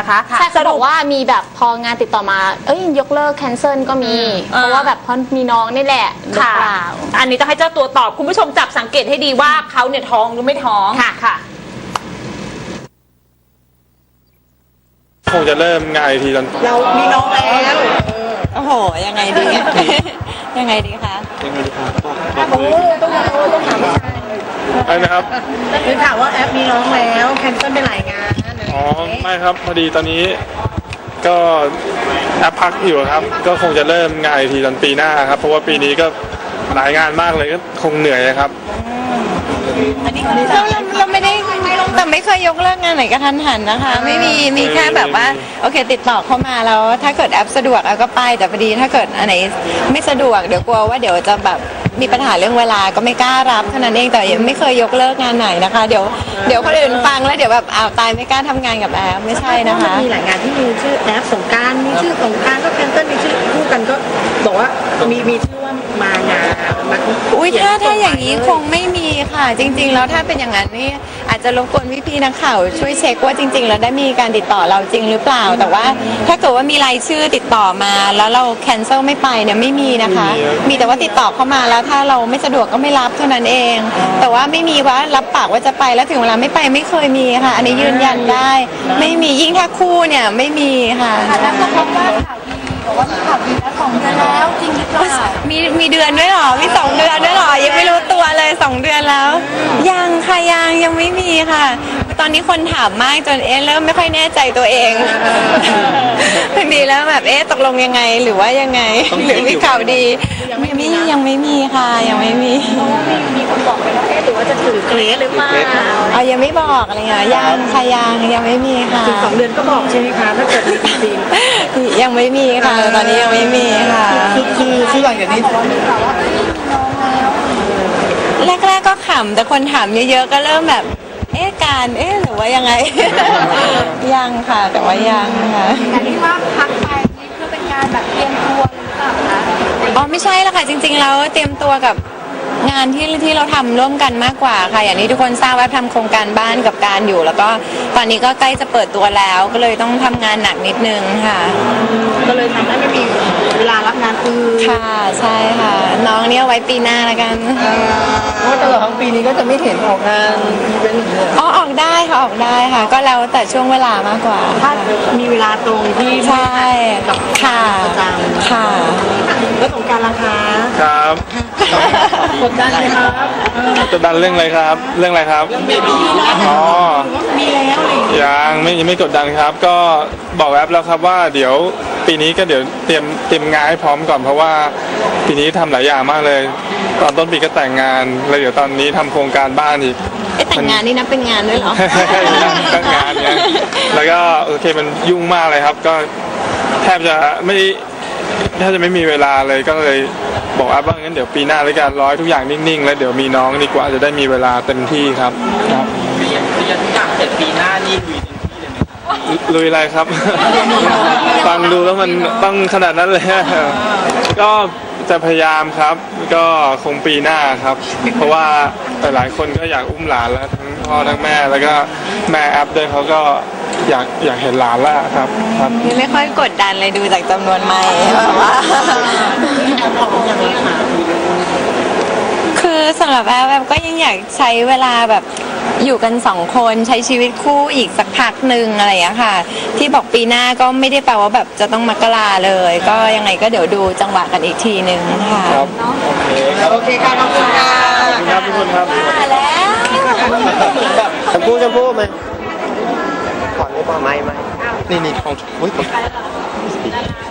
นะคะใช่เขาบอกว่ามีแบบพองานติดต่อมายกเลิกแคนเซิลก็มี เพราะว่าแบบเพราะมีน้องนี่แหละหรือเปล่าอันนี้ต้องให้เจ้าตัวตอบคุณผู้ชมจับสังเกตให้ดีว่าเขาเนี่ยท้องหรือไม่ท้องค่ะคงจะเริ่มงานทีตอนเรามีน้องแล้วโอ้โหยังไงดียังไงดีคะยังไงดีครับต้องถามอะไรนะครับคือถามว่าแอปมีน้องแล้วแคนเซิลไปหลายงานอ๋อไม่ครับพอดีตอนนี้ก็แอปพักอยู่ครับก็คงจะเริ่มงานทีตอนปีหน้าครับเพราะว่าปีนี้ก็หลายงานมากเลยก็คงเหนื่อยครับเราไม่ได้แต่ไม่เคยยกเลิกงานไหนกระทันหันนะคะไม่มีแค่แบบว่าโอเคติดต่อเข้ามาแล้วถ้าเกิดแอปสะดวกก็ไปแต่พอดีถ้าเกิดอันไหนไม่สะดวกเดี๋ยวกลัวว่าเดี๋ยวจะแบบมีปัญหาเรื่องเวลาก็ไม่กล้ารับเท่านั้นเองแต่ยังไม่เคยยกเลิกงานไหนนะคะเดี๋ยวคนอื่นฟังแล้วเดี๋ยวแบบตายไม่กล้าทำงานกับแอปไม่ใช่นะคะมีหลายงานที่มีชื่อแอปสงการมีชื่อสงการก็แคนเซิลมีชื่อคู่กันก็บอกว่ามีชื่อว่ามางานอุ้ยถ้าอย่างนี้คงไม่มีค่ะจริงๆแล้วถ้าเป็นอย่างนั้นนี่อาจจะรบกวนพี่ๆนักข่าวช่วยเช็คว่าจริงๆแล้วได้มีการติดต่อเราจริงหรือเปล่าแต่ว่าถ้าเกิดว่ามีรายชื่อติดต่อมาแล้วเราแคนเซิลไม่ไปเนี่ยไม่มีนะคะมีแต่ว่าติดต่อเข้ามาแล้วถ้าเราไม่สะดวกก็ไม่รับเท่านั้นเองแต่ว่าไม่มีว่ารับปากว่าจะไปแล้วถึงเวลาไม่ไปไม่เคยมีค่ะอันนี้ยืนยันได้ไม่มียิ่งถ้าคู่เนี่ยไม่มีค่ะแล้วก็พบว่าข่าวดีบอกว่ามีข่าวดีแล้ว2 เดือนแล้วจริงหรือเปล่ามีเดือนด้วยหรอมี2 เดือนด้วยหรอยังไม่รู้ตัวเลย2 เดือนแล้วยังค่ะยังไม่มีค่ะตอนนี้คนถามมากจนเริ่มไม่ค่อยแน่ใจตัวเองบางทีแล้วแบบตกลงยังไงหรือว่ายังไงหรือมีข่าวดียังไม่มีค่ะยังไม่มีมีคนบอกไปแล้วหรือว่าจะถือเกรดหรือเปล่ายังไม่บอกอะไรเงี้ยยังค่ะยังไม่มีค่ะถึง2 เดือนก็บอกใช่ไหมคะถ้าเกิดมีจริงยังไม่มีค่ะตอนนี้ยังไม่มีค่ะคือหลังจากนี้แรกก็ขำแต่คนถามเยอะๆก็เริ่มแบบการหรือว่ายังไงยังค่ะแต่ว่ายังค่ะแต่ที่ว่าพักไปนี่เพื่อเป็นการแบบเตรียมตัวหรือเปล่าคะไม่ใช่ละค่ะจริงๆแล้วเตรียมตัวกับงานที่เราทำร่วมกันมากกว่าค่ะอย่างนี้ทุกคนทราบว่าทำโครงการบ้านกับการอยู่แล้วก็ตอนนี้ก็ใกล้จะเปิดตัวแล้วก็เลยต้องทำงานหนักนิดนึงค่ะก็เลยทำให้ไม่มีเวลารับงานอื่นค่ะใช่ค่ะน้องเนี่ยไว้ปีหน้าแล้วกันเพราะตลอดทั้งปีนี้ก็จะไม่เห็นออกงานอีเวนต์ออกได้ค่ะก็แล้วแต่ช่วงเวลามากกว่าถ้ามีเวลาตรงที่ใช่กับค่ะประจำค่ะแล้วสงการราคาครับกดดันไหมครับกดดันเรื่องอะไรครับเรื่องอะไรครับอ๋อมีแล้วยังไม่กดดันครับก็บอกแอปแล้วครับว่าเดี๋ยวปีนี้ก็เดี๋ยวเตรียมงานให้พร้อมก่อนเพราะว่าปีนี้ทำหลายอย่างมากเลยตอนต้นปีก็แต่งงานแล้วเดี๋ยวตอนนี้ทำโครงการบ้านอีกแต่งงานนี่นับเป็นงานด้วยเหรอแต่งงานเนี่ยแล้วก็โอเคมันยุ่งมากเลยครับก็แทบจะไม่มีเวลาเลยก็เลยบอกแอปว่างั้นเดี๋ยวปีหน้าแล้วกันทุกอย่างนิ่งๆแล้วเดี๋ยวมีน้องดีกว่าจะได้มีเวลาเต็มที่ครับเรียนทุกอย่างเสร็จปีหน้านี่ลุยเต็มที่เลยไหมลุยอะไรครับ ฟังดูแล้วมันต้องขนาดนั้นเลยก็จะพยายามครับก็คงปีหน้าครับเพราะว่าหลายคนก็อยากอุ้มหลานแล้วทั้งพ่อทั้งแม่แล้วก็แม่แอปด้วยเขาก็อยากเห็นหลานแล้วครับไม่ค่อยกดดันเลยดูจากจำนวนไมค์แบบว่าคือสำหรับแอปก็ยังอยากใช้เวลาแบบอยู่กัน2 คนใช้ชีวิตคู่อีกสักพักหนึ่งอะไรอย่างนี้ค่ะที่บอกปีหน้าก็ไม่ได้แปลว่าแบบจะต้องมกราเลยก็ยังไงก็เดี๋ยวดูจังหวะกันอีกทีนึงค่ะครับโอเคค่ะขอบคุณค่ะครับทุกคนครับแล้วชมพู่ไหมก่อนไม่พอไม่นี่ของอุ้ย